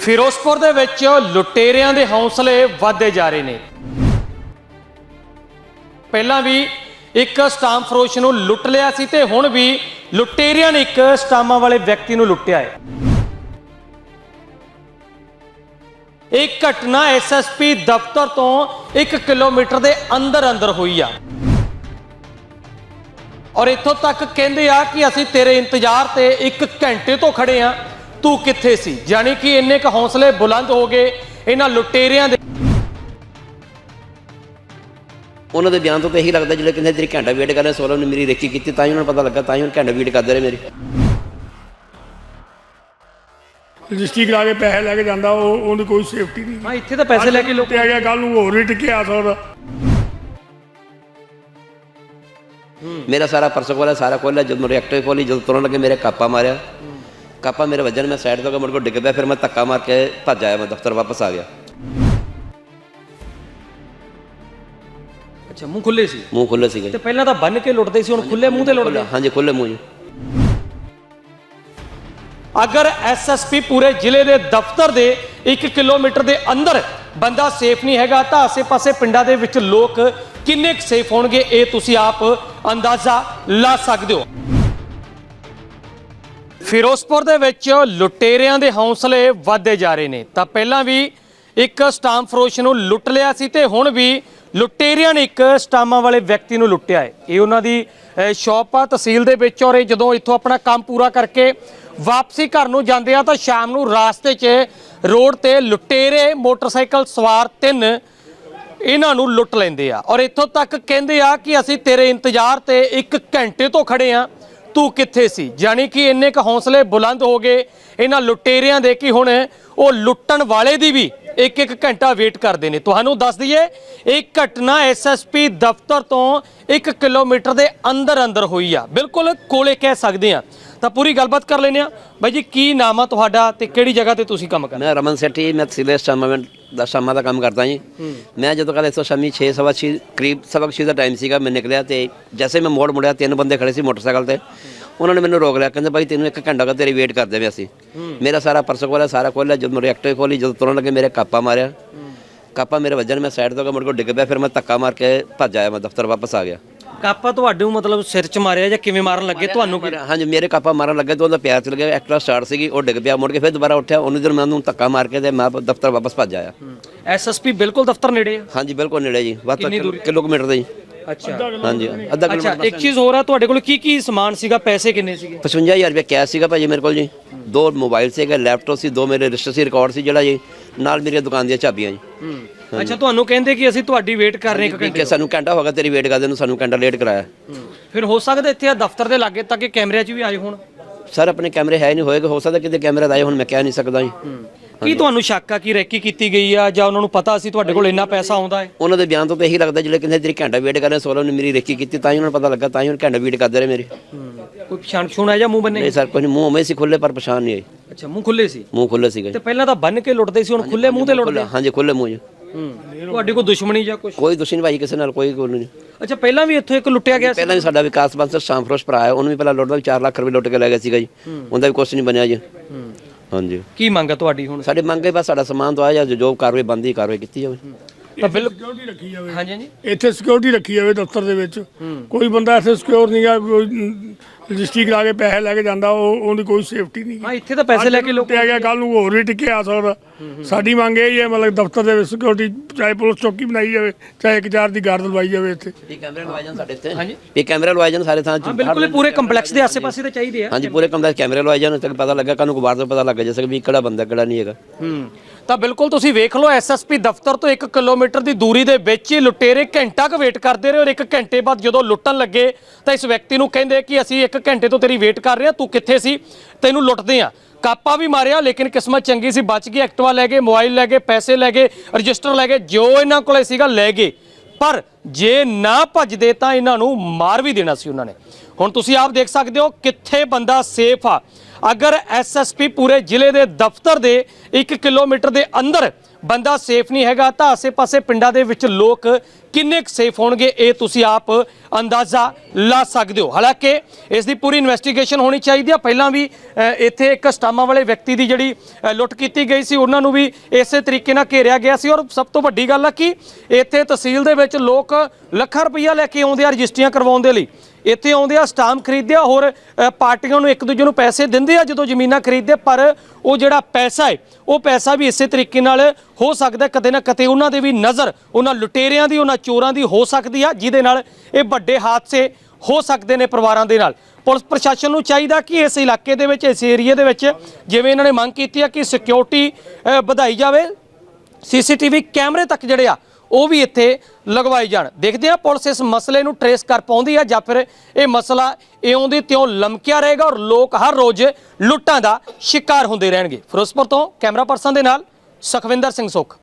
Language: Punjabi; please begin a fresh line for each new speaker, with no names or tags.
ਫਿਰੋਜ਼ਪੁਰ ਦੇ ਵਿੱਚ ਲੁਟੇਰਿਆਂ ਦੇ ਹੌਸਲੇ ਵਧਦੇ ਜਾ ਰਹੇ ਨੇ। ਪਹਿਲਾਂ ਵੀ ਇੱਕ ਸਟਾਮ ਫਰੋਸ਼ ਨੂੰ ਲੁੱਟ ਲਿਆ ਸੀ ਤੇ ਹੁਣ ਵੀ ਲੁਟੇਰਿਆਂ ਨੇ ਇੱਕ ਸਟਾਮਾਂ ਵਾਲੇ ਵਿਅਕਤੀ ਨੂੰ ਲੁੱਟਿਆ ਹੈ। ਇਹ ਘਟਨਾ ਐਸਐਸਪੀ ਦਫ਼ਤਰ ਤੋਂ 1 ਕਿਲੋਮੀਟਰ ਦੇ ਅੰਦਰ ਹੋਈ ਆ ਔਰ ਇੱਥੋਂ ਤੱਕ ਕਹਿੰਦੇ ਆ ਕਿ ਅਸੀਂ ਤੇਰੇ ਇੰਤਜ਼ਾਰ ਤੇ 1 ਘੰਟੇ ਤੋਂ ਖੜੇ ਆ, ਤੂੰ ਕਿੱਥੇ ਸੀ। ਯਾਨੀ ਕਿ ਇੰਨੇ ਕ ਹੌਸਲੇ ਬੁਲੰਦ ਹੋ ਗਏ ਇਹਨਾਂ ਲੁਟੇਰਿਆਂ ਦੇ।
ਉਹਨਾਂ ਦੇ ਬਿਆਨ ਤੋਂ ਤਾਂ ਇਹੀ ਲੱਗਦਾ ਜਿਹੜੇ ਕਹਿੰਦੇ ਤੇਰੀ ਘੰਟਾ ਵੇਟ ਕਰ ਰਹੇ 16 ਨੇ ਮੇਰੀ ਰੇਕੀ ਕੀਤੀ ਤਾਂ ਹੀ ਉਹਨਾਂ ਨੂੰ ਪਤਾ ਲੱਗਾ, ਤਾਂ ਹੀ ਉਹਨਾਂ ਘੰਟਾ ਵੇਟ ਕਰਦੇ ਰਹੇ ਮੇਰੀ।
ਰਜਿਸਟਰੀ ਕਰਾ ਕੇ ਪੈਸੇ ਲੈ ਕੇ ਜਾਂਦਾ ਉਹਦੀ ਕੋਈ ਸੇਫਟੀ ਨਹੀਂ।
ਹਾਂ, ਇੱਥੇ ਤਾਂ ਪੈਸੇ ਲੈ ਕੇ ਲੋਕ
ਆ ਗਿਆ, ਕੱਲ ਨੂੰ ਹੋਰ ਵੀ ਟਿਕਿਆ ਸਕਦਾ।
ਮੇਰਾ ਸਾਰਾ ਪਰਸ ਖੋਲਿਆ, ਸਾਰਾ ਖੋਲਿਆ। ਜਦੋਂ ਰਿਐਕਟਰ ਖੋਲੀ, ਜਦੋਂ ਤੁਰਨ ਲੱਗੇ ਮੇਰੇ ਕਾਪਾ ਮਾਰਿਆ। ਕਾਪਾ ਮੇਰੇ ਵੱਜਣ, ਮੈਂ ਸਾਈਡ ਤੋਂ ਗਿਆ, ਮੁੜ ਕੇ ਡਿੱਗ ਪਿਆ। ਫਿਰ ਮੈਂ ਧੱਕਾ ਮਾਰ ਕੇ ਭੱਜ ਆਇਆ, ਮੈਂ ਦਫ਼ਤਰ ਵਾਪਸ ਆ ਗਿਆ।
ਅੱਛਾ, ਮੂੰਹ ਖੁੱਲੇ ਸੀ?
ਮੂੰਹ ਖੁੱਲੇ ਸੀਗੇ।
ਤੇ ਪਹਿਲਾਂ ਤਾਂ ਬੰਨ ਕੇ ਲੁੱਟਦੇ ਸੀ, ਹੁਣ ਖੁੱਲੇ ਮੂੰਹ ਤੇ ਲੁੱਟਦੇ?
ਹਾਂਜੀ, ਖੁੱਲੇ ਮੂੰਹ ਜੀ।
ਅਗਰ ਐਸਐਸਪੀ ਪੂਰੇ ਜ਼ਿਲ੍ਹੇ ਦੇ ਦਫ਼ਤਰ ਦੇ 1 ਕਿਲੋਮੀਟਰ ਦੇ ਅੰਦਰ ਬੰਦਾ ਸੇਫ ਨਹੀਂ ਹੈਗਾ ਤਾਂ ਆਸੇ-ਪਾਸੇ ਪਿੰਡਾਂ ਦੇ ਵਿੱਚ ਲੋਕ ਕਿੰਨੇ ਕੁ ਸੇਫ ਹੋਣਗੇ, ਇਹ ਤੁਸੀਂ ਆਪ ਅੰਦਾਜ਼ਾ ਲਾ ਸਕਦੇ ਹੋ। ਫਿਰੋਜ਼ਪੁਰ ਦੇ ਵਿੱਚ ਲੁਟੇਰਿਆਂ ਦੇ ਹੌਸਲੇ ਵਧਦੇ ਜਾ ਰਹੇ ਨੇ। ਤਾਂ ਪਹਿਲਾਂ ਵੀ ਇੱਕ ਸਟਾਮ ਫਰੋਸ਼ ਨੂੰ ਲੁੱਟ ਲਿਆ ਸੀ ਤੇ ਹੁਣ ਵੀ ਲੁਟੇਰਿਆਂ ਨੇ ਇੱਕ ਸਟਾਮਾਂ ਵਾਲੇ ਵਿਅਕਤੀ ਨੂੰ ਲੁੱਟਿਆ ਹੈ। ਇਹ ਉਹਨਾਂ ਦੀ ਸ਼ੌਪ ਆ ਤਹਿਸੀਲ ਦੇ ਵਿੱਚ ਔਰ ਇਹ ਜਦੋਂ ਇੱਥੋਂ ਆਪਣਾ ਕੰਮ ਪੂਰਾ ਕਰਕੇ ਵਾਪਸੀ ਘਰ ਨੂੰ ਜਾਂਦੇ ਆ ਤਾਂ ਸ਼ਾਮ ਨੂੰ ਰਾਸਤੇ 'ਚ ਰੋਡ ਤੇ ਲੁਟੇਰੇ ਮੋਟਰਸਾਈਕਲ ਸਵਾਰ 3 ਇਹਨਾਂ ਨੂੰ ਲੁੱਟ ਲੈਂਦੇ ਆ ਔਰ ਇੱਥੋਂ ਤੱਕ ਕਹਿੰਦੇ ਆ ਕਿ ਅਸੀਂ ਤੇਰੇ ਇੰਤਜ਼ਾਰ ਤੇ 1 ਘੰਟੇ ਤੋਂ ਖੜੇ ਆ, ਤੂੰ ਕਿੱਥੇ ਸੀ। ਯਾਨੀ ਕਿ ਇੰਨੇ ਕ ਹੌਸਲੇ ਬੁਲੰਦ ਹੋ ਗਏ ਇਹਨਾਂ ਲੁਟੇਰਿਆਂ ਦੇ ਕਿ ਹੁਣ ਉਹ ਲੁੱਟਣ ਵਾਲੇ ਦੀ ਵੀ 1 ਘੰਟਾ ਵੇਟ ਕਰਦੇ ਨੇ। ਤੁਹਾਨੂੰ ਦੱਸ ਦਈਏ ਇਹ ਘਟਨਾ ਐਸਐਸਪੀ ਦਫ਼ਤਰ ਤੋਂ 1 ਕਿਲੋਮੀਟਰ ਦੇ ਅੰਦਰ ਹੋਈ ਆ, ਬਿਲਕੁਲ ਕੋਲੇ ਕਹਿ ਸਕਦੇ ਆ। ਤਾਂ ਪੂਰੀ ਗੱਲਬਾਤ ਕਰ ਲੈਂਦੇ ਆ। ਬਾਈ ਜੀ, ਕੀ ਨਾਮ ਆ ਤੁਹਾਡਾ ਤੇ ਕਿਹੜੀ ਜਗ੍ਹਾ ਤੇ ਤੁਸੀਂ ਕੰਮ ਕਰਦੇ?
ਮੈਂ ਰਮਨ ਸੈਠੀ, ਮੈਂ ਤਹਿਸੀਲ ਸ਼ਾਮਾਂ ਦਾ ਕੰਮ ਕਰਦਾ ਜੀ। ਮੈਂ ਜਦੋਂ ਕੱਲ੍ਹ ਇੱਥੋਂ ਸ਼ਾਮੀ 6:15 ਕਰੀਬ 6:15 ਦਾ ਟਾਈਮ ਸੀਗਾ, ਮੈਂ ਨਿਕਲਿਆ ਤੇ ਜੈਸੇ ਮੈਂ ਮੋੜ ਮੁੜਿਆ 3 ਬੰਦੇ ਖੜੇ ਸੀ ਮੋਟਰਸਾਈਕਲ ਤੇ। ਉਹਨਾਂ ਨੇ ਮੈਨੂੰ ਰੋਕ ਲਿਆ, ਕਹਿੰਦੇ ਬਾਈ ਤੈਨੂੰ 1 ਘੰਟਾ ਤੇਰੀ ਵੇਟ ਕਰਦੇ ਵੇ ਅਸੀਂ। ਮੇਰਾ ਸਾਰਾ ਪਰਸ ਖੋਲਿਆ, ਸਾਰਾ ਖੋਲਿਆ। ਜਦੋਂ ਰਿਐਕਟਰ ਖੋਲੀ, ਜਦੋਂ ਤੁਰਨ ਲੱਗੇ ਮੇਰੇ ਕਾਪਾ ਮਾਰਿਆ। ਕਾਪਾ ਮੇਰੇ ਵੱਜਣ, ਮੈਂ ਸਾਈਡ ਤੋਂ ਗਿਆ, ਮੁੜ ਕੇ ਡਿੱਗ ਪਿਆ। ਫਿਰ ਮੈਂ ਧੱਕਾ ਮਾਰ ਕੇ ਭੱਜ ਆਇਆ, ਮੈਂ ਦਫ਼ਤਰ ਵਾਪਸ ਆ ਗਿਆ।
ਕਾਪਾ ਤੁਹਾਡੇ ਨੂੰ ਮਤਲਬ ਸਿਰ 'ਚ ਮਾਰਿਆ ਜਾਂ ਕਿਵੇਂ ਮਾਰਨ ਲੱਗੇ ਤੁਹਾਨੂੰ?
ਹਾਂਜੀ, ਮੇਰੇ ਕਾਪਾ ਮਾਰਨ ਲੱਗੇ ਤਾਂ ਉਹਦਾ ਪਿਆਰ ਚਲ ਗਿਆ। ਐਕਟਰਾ ਸਟਾਰਟ ਸੀਗੀ, ਉਹ ਡਿੱਗ ਪਿਆ। ਮੁੜ ਕੇ ਫਿਰ ਦੁਬਾਰਾ ਉੱਠਿਆ। ਉਹਨੂੰ ਜਦੋਂ ਮੈਂ ਉਹਨੂੰ ਧੱਕਾ ਮਾਰ ਕੇ ਤੇ ਮੈਂ ਦਫ਼ਤਰ ਵਾਪਸ ਭੱਜ ਆਇਆ।
ਐਸਐਸਪੀ ਬਿਲਕੁਲ ਦਫ਼ਤਰ ਨੇੜੇ ਆ?
ਹਾਂਜੀ, ਬਿਲਕੁਲ ਨੇੜੇ ਜੀ, ਵੱਧ ਕਿਲੋਮੀਟਰ ਦੇ ਜੀ।
ਅੱਛਾ,
ਹਾਂਜੀ, ਅੱਧਾ ਕਿਲੋਮੀਟਰ।
ਅੱਛਾ, ਇੱਕ ਚੀਜ਼ ਹੋਰ ਆ, ਤੁਹਾਡੇ ਕੋਲ ਕੀ ਸਮਾਨ ਸੀਗਾ? ਪੈਸੇ ਕਿੰਨੇ ਸੀਗੇ?
55,000 ਰੁਪਏ ਕੈਸ਼ ਸੀਗਾ ਭਾਜੀ ਮੇਰੇ ਕੋਲ ਜੀ। 2 ਮੋਬਾਈਲ ਸੀਗੇ, ਲੈਪਟਾਪ ਸੀ, 2 ਮੇਰੇ ਰਜਿਸਟਰ ਸੀ, ਰਿਕਾਰਡ ਸੀ ਜਿਹੜਾ ਜੀ, ਨਾਲ ਮੇਰੀ ਦੁਕਾਨ ਦੀਆਂ ਚਾਬੀਆਂ ਜੀ।
ਅੱਛਾ, ਤੁਹਾਨੂੰ ਕਹਿੰਦੇ ਕਿ ਅਸੀਂ ਤੁਹਾਡੀ ਵੇਟ ਕਰ ਰਹੇ 1 ਘੰਟੇ?
ਸਾਨੂੰ ਘੰਟਾ ਹੋ ਗਿਆ ਤੇਰੀ ਵੇਟ ਕਰਦੇ ਨੂੰ, ਸਾਨੂੰ ਘੰਟਾ ਲੇਟ ਕਰਾਇਆ।
ਫਿਰ ਹੋ ਸਕਦਾ ਇੱਥੇ ਆ ਦਫ਼ਤਰ ਦੇ ਲਾਗੇ ਤੱਕ ਕੈਮਰਿਆਂ 'ਚ ਵੀ ਆਏ ਹੋਣ?
ਸਰ, ਆਪਣੇ ਕੈਮਰੇ ਹੈ ਨਹੀਂ, ਹੋਏਗਾ, ਹੋ ਸਕਦਾ ਕਿਤੇ ਕੈਮਰੇ ਆਏ ਹੁਣ, ਮੈਂ ਕਹਿ ਨਹੀਂ ਸਕਦਾ ਜੀ।
ਕੀ ਤੁਹਾਨੂੰ ਸ਼ੱਕ ਆ ਕਿ ਰੈਕੀ ਕੀਤੀ ਗਈ ਆ ਜਾਂ ਉਹਨਾਂ ਨੂੰ ਪਤਾ ਸੀ ਤੁਹਾਡੇ ਕੋਲ ਇੰਨਾ ਪੈਸਾ ਆਉਂਦਾ ਹੈ?
ਉਹਨਾਂ ਦੇ ਬਿਆਨ ਤੋਂ ਤਾਂ ਇਹੀ ਲੱਗਦਾ ਜਿਹੜੇ ਕਹਿੰਦੇ ਤੇਰੀ ਘੰਟਾ ਵੇਟ ਕਰ ਰਹੇ 16 ਨੇ ਮੇਰੀ ਰੇਕੀ ਕੀਤੀ ਤਾਂ ਹੀ ਉਹਨਾਂ ਨੂੰ ਪਤਾ ਲੱਗਾ, ਤਾਂ ਹੀ ਉਹਨਾਂ ਘੰਟਾ ਵੇਟ ਕਰਦੇ ਰਹੇ ਮੇਰੀ।
ਕੋਈ ਪਛਾਣ ਛੂਣ ਹੈ ਜਾਂ ਮੂੰਹ ਬੰਨੇ?
ਨਹੀਂ ਸਰ, ਕੋਈ ਮੂੰਹ ਉਵੇਂ ਸੀ ਖੁੱਲੇ, ਪਰ ਪਛਾਣ ਨਹੀਂ ਆਈ।
ਅੱਛਾ, ਮੂੰਹ ਖੁੱਲੇ ਸੀ?
ਮੂੰਹ ਖੁੱਲੇ ਸੀਗੇ।
ਤੇ ਪਹਿਲਾਂ ਤਾਂ ਬੰਨ ਕੇ ਲੁੱਟਦੇ ਸੀ, ਹੁਣ ਖੁੱਲੇ ਮੂੰਹ ਤੇ ਲੁੱਟਦੇ?
ਹਾਂਜੀ, ਖੁੱਲੇ ਮੂੰਹ ਜੀ।
ਤੁਹਾਡੀ ਕੋਈ ਦੁਸ਼ਮਣੀ ਜਾਂ ਕੁਝ?
ਕੋਈ ਦੁਸ਼ਮਣੀ ਭਾਈ ਕਿਸੇ ਨਾਲ, ਕੋਈ ਨਹੀਂ।
ਅੱਛਾ, ਪਹਿਲਾਂ ਵੀ ਇੱਥੋਂ ਇੱਕ ਲੁੱਟਿਆ ਗਿਆ ਸੀ?
ਪਹਿਲਾਂ ਵੀ ਸਾਡਾ ਵਿਕਾਸ ਬੰਸਰ ਸ਼ਾਮ ਫਰੋਸ਼ ਭਰਾ ਹੈ, ਉਹਨੂੰ ਵੀ ਪਹਿਲਾਂ ਲੁੱਟਦਾ 4 ਲੱਖ ਰੁਪਏ ਲੁੱਟ ਕੇ ਲੈ ਗਿਆ ਸੀਗਾ ਜੀ। ਉਹਦਾ ਵੀ ਕੁਛ ਨਹੀਂ ਬਣਿਆ ਜੀ। ਹਾਂਜੀ,
ਕੀ ਮੰਗ ਆ ਤੁਹਾਡੀ ਹੁਣ?
ਸਾਡੇ ਮੰਗੇ ਬਸ ਸਾਡਾ ਸਮਾਨ ਤੋਂ ਆਇਆ ਜਾਂ ਜੋ ਕਾਰਵਾਈ ਬੰਦੀ ਕਾਰਵਾਈ ਕੀਤੀ ਜਾਵੇ।
ਤਾਂ ਬਿਲਕੁਲ
ਸਿਕਿਉਰਿਟੀ ਰੱਖੀ ਜਾਵੇ।
ਹਾਂਜੀ ਹਾਂਜੀ,
ਇੱਥੇ ਸਿਕਿਉਰਿਟੀ ਰੱਖੀ ਜਾਵੇ ਦਫ਼ਤਰ ਦੇ ਵਿੱਚ। ਕੋਈ ਬੰਦਾ ਇੱਥੇ ਸਿਕਿਉਰ ਨਹੀਂ ਆ, ਕੋਈ ਰਜਿਸਟਰੀ ਕਰਾ ਕੇ ਪੈਸੇ ਲੈ ਕੇ ਜਾਂਦਾ ਉਹਦੀ ਕੋਈ ਸੇਫਟੀ ਨਹੀਂ।
ਹਾਂ, ਇੱਥੇ ਤਾਂ ਪੈਸੇ ਲੈ ਕੇ ਲੋਕ
ਆ ਗਿਆ, ਕੱਲ ਨੂੰ ਹੋਰ ਵੀ ਟਿਕਿਆ ਸਕਦਾ। ਸਾਡੀ ਮੰਗ ਇਹ ਹੀ ਹੈ, ਮਤਲਬ ਦਫ਼ਤਰ ਦੇ ਵਿੱਚ ਸਿਕਿਉਰਿਟੀ, ਚਾਹੇ ਪੁਲਿਸ ਚੌਕੀ ਬਣਾਈ ਜਾਵੇ, ਚਾਹੇ 1-4 ਦੀ ਗਾਰਡ ਲਵਾਈ ਜਾਵੇ ਇੱਥੇ।
ਇਹ ਕੈਮਰੇ ਲਵਾਏ ਜਾਣ ਸਾਡੇ ਇੱਥੇ।
ਹਾਂਜੀ,
ਇਹ ਕੈਮਰੇ ਲਵਾਏ ਜਾਣ ਸਾਰੇ ਥਾਂ 'ਚ।
ਬਿਲਕੁਲ, ਪੂਰੇ ਕੰਪਲੈਕਸ ਦੇ ਆਸੇ-ਪਾਸੇ ਤਾਂ ਚਾਹੀਦੇ ਆ।
ਹਾਂਜੀ, ਪੂਰੇ ਕੰਪਲੈਕਸ ਕੈਮਰੇ ਲਵਾਏ ਜਾਣ, ਤੱਕ ਪਤਾ ਲੱਗਾ ਕਾਨੂੰ ਕਬਾੜ ਤੋਂ ਪਤਾ ਲੱਗ ਜਾ ਸਕੇ ਵੀ ਕਿਹੜਾ ਬੰਦਾ ਕਿਹੜਾ ਨਹੀਂ ਹੈਗਾ।
ਤਾਂ ਬਿਲਕੁਲ ਤੁਸੀਂ ਵੇਖ ਲਓ, ਐਸਐਸਪੀ ਦਫ਼ਤਰ ਤੋਂ 1 ਕਿਲੋਮੀਟਰ ਦੀ ਦੂਰੀ ਦੇ ਵਿੱਚ ਹੀ ਲੁਟੇਰੇ ਘੰਟਾ ਕੁ ਵੇਟ ਕਰਦੇ ਰਹੇ ਔਰ 1 ਘੰਟੇ ਬਾਅਦ ਜਦੋਂ ਲੁੱਟਣ ਲੱਗੇ ਤਾਂ ਇਸ ਵਿਅਕਤੀ ਨੂੰ ਕਹਿੰਦੇ ਕਿ ਅਸੀਂ 1 ਘੰਟੇ ਤੋਂ ਤੇਰੀ ਵੇਟ ਕਰ ਰਹੇ ਹਾਂ, ਤੂੰ ਕਿੱਥੇ ਸੀ, ਤੈਨੂੰ ਲੁੱਟਦੇ ਆ। ਕਾਪਾ ਵੀ ਮਾਰਿਆ, ਲੇਕਿਨ ਕਿਸਮਤ ਚੰਗੀ ਸੀ, ਬਚ ਗਈ। ਐਕਟਿਵਾ ਲੈ ਗਏ, ਮੋਬਾਈਲ ਲੈ ਗਏ, ਪੈਸੇ ਲੈ ਗਏ, ਰਜਿਸਟਰ ਲੈ ਗਏ, ਜੋ ਇਹਨਾਂ ਕੋਲੇ ਸੀਗਾ ਲੈ ਗਏ। ਪਰ ਜੇ ਨਾ ਭੱਜਦੇ ਤਾਂ ਇਹਨਾਂ ਨੂੰ ਮਾਰ ਵੀ ਦੇਣਾ ਸੀ ਉਹਨਾਂ ਨੇ। ਹੁਣ ਤੁਸੀਂ ਆਪ ਦੇਖ ਸਕਦੇ ਹੋ ਕਿੱਥੇ ਬੰਦਾ ਸੇਫ ਆ। ਅਗਰ ਐਸਐਸਪੀ ਪੂਰੇ ਜ਼ਿਲ੍ਹੇ ਦੇ ਦਫ਼ਤਰ ਦੇ 1 ਕਿਲੋਮੀਟਰ ਦੇ ਅੰਦਰ ਬੰਦਾ ਸੇਫ ਨਹੀਂ ਹੈਗਾ ਤਾਂ ਆਸੇ-ਪਾਸੇ ਪਿੰਡਾਂ ਦੇ ਵਿੱਚ ਲੋਕ ਕਿੰਨੇ ਕੁ ਸੇਫ ਹੋਣਗੇ ਇਹ ਤੁਸੀਂ ਆਪ ਅੰਦਾਜ਼ਾ ਲਾ ਸਕਦੇ ਹੋ। ਹਾਲਾਂਕਿ ਇਸ ਦੀ ਪੂਰੀ ਇਨਵੈਸਟੀਗੇਸ਼ਨ ਹੋਣੀ ਚਾਹੀਦੀ ਆ। ਪਹਿਲਾਂ ਵੀ ਇੱਥੇ ਇੱਕ ਸਟਾਮਾਂ ਵਾਲੇ ਵਿਅਕਤੀ ਦੀ ਜਿਹੜੀ ਲੁੱਟ ਕੀਤੀ ਗਈ ਸੀ, ਉਹਨਾਂ ਨੂੰ ਵੀ ਇਸੇ ਤਰੀਕੇ ਨਾਲ ਘੇਰਿਆ ਗਿਆ ਸੀ। ਔਰ ਸਭ ਤੋਂ ਵੱਡੀ ਗੱਲ ਆ ਕਿ ਇੱਥੇ ਤਹਿਸੀਲ ਦੇ ਵਿੱਚ ਲੋਕ ਲੱਖਾਂ ਰੁਪਈਆ ਲੈ ਕੇ ਆਉਂਦੇ ਆ ਰਜਿਸਟਰੀਆਂ ਕਰਵਾਉਣ ਦੇ ਲਈ। ਇੱਥੇ ਆਉਂਦੇ ਆ, ਸਟਾਂਪ ਖਰੀਦਦੇ ਆ, ਹੋਰ ਪਾਰਟੀਆਂ ਨੂੰ ਇੱਕ ਦੂਜੇ ਨੂੰ ਪੈਸੇ ਦਿੰਦੇ ਆ ਜਦੋਂ ਜ਼ਮੀਨਾਂ ਖਰੀਦਦੇ, ਪਰ ਉਹ ਜਿਹੜਾ ਪੈਸਾ ਹੈ ਉਹ ਪੈਸਾ ਵੀ ਇਸੇ ਤਰੀਕੇ ਨਾਲ ਹੋ ਸਕਦਾ ਕਦੇ ਨਾ ਕਦੇ ਉਹਨਾਂ ਦੇ ਵੀ ਨਜ਼ਰ ਉਹਨਾਂ ਲੁਟੇਰਿਆਂ ਦੀ, ਉਹਨਾਂ ਚੋਰਾਂ ਦੀ ਹੋ ਸਕਦੀ ਆ, ਜਿਹਦੇ ਨਾਲ ਇਹ ਵੱਡੇ ਹਾਦਸੇ ਹੋ ਸਕਦੇ ਨੇ ਪਰਿਵਾਰਾਂ ਦੇ ਨਾਲ। ਪੁਲਿਸ ਪ੍ਰਸ਼ਾਸਨ ਨੂੰ ਚਾਹੀਦਾ ਕਿ ਇਸ ਇਲਾਕੇ ਦੇ ਵਿੱਚ, ਇਸ ਏਰੀਏ ਦੇ ਵਿੱਚ, ਜਿਵੇਂ ਇਹਨਾਂ ਨੇ ਮੰਗ ਕੀਤੀ ਆ ਕਿ ਸਿਕਿਉਰਿਟੀ ਵਧਾਈ ਜਾਵੇ, ਸੀਸੀਟੀਵੀ ਕੈਮਰੇ ਤੱਕ ਜਿਹੜੇ ਆ ਉਹ ਵੀ ਇੱਥੇ ਲਗਵਾਏ ਜਾਣ। ਦੇਖਦੇ ਆ ਪੁਲਿਸ ਇਸ ਮਸਲੇ ਨੂੰ ਟਰੇਸ ਕਰ ਪਾਉਂਦੀ ਆ ਜਾਂ ਫਿਰ ਇਹ ਮਸਲਾ ਇਉਂ ਦੀ ਤਿਉਂ ਲਮਕਿਆ ਰਹੇਗਾ ਔਰ ਲੋਕ ਹਰ ਰੋਜ਼ ਲੁੱਟਾਂ ਦਾ ਸ਼ਿਕਾਰ ਹੁੰਦੇ ਰਹਿਣਗੇ। ਫਿਰੋਜ਼ਪੁਰ ਤੋਂ ਕੈਮਰਾ ਪਰਸਨ ਦੇ ਨਾਲ ਸੁਖਵਿੰਦਰ ਸਿੰਘ ਸੁੱਖ।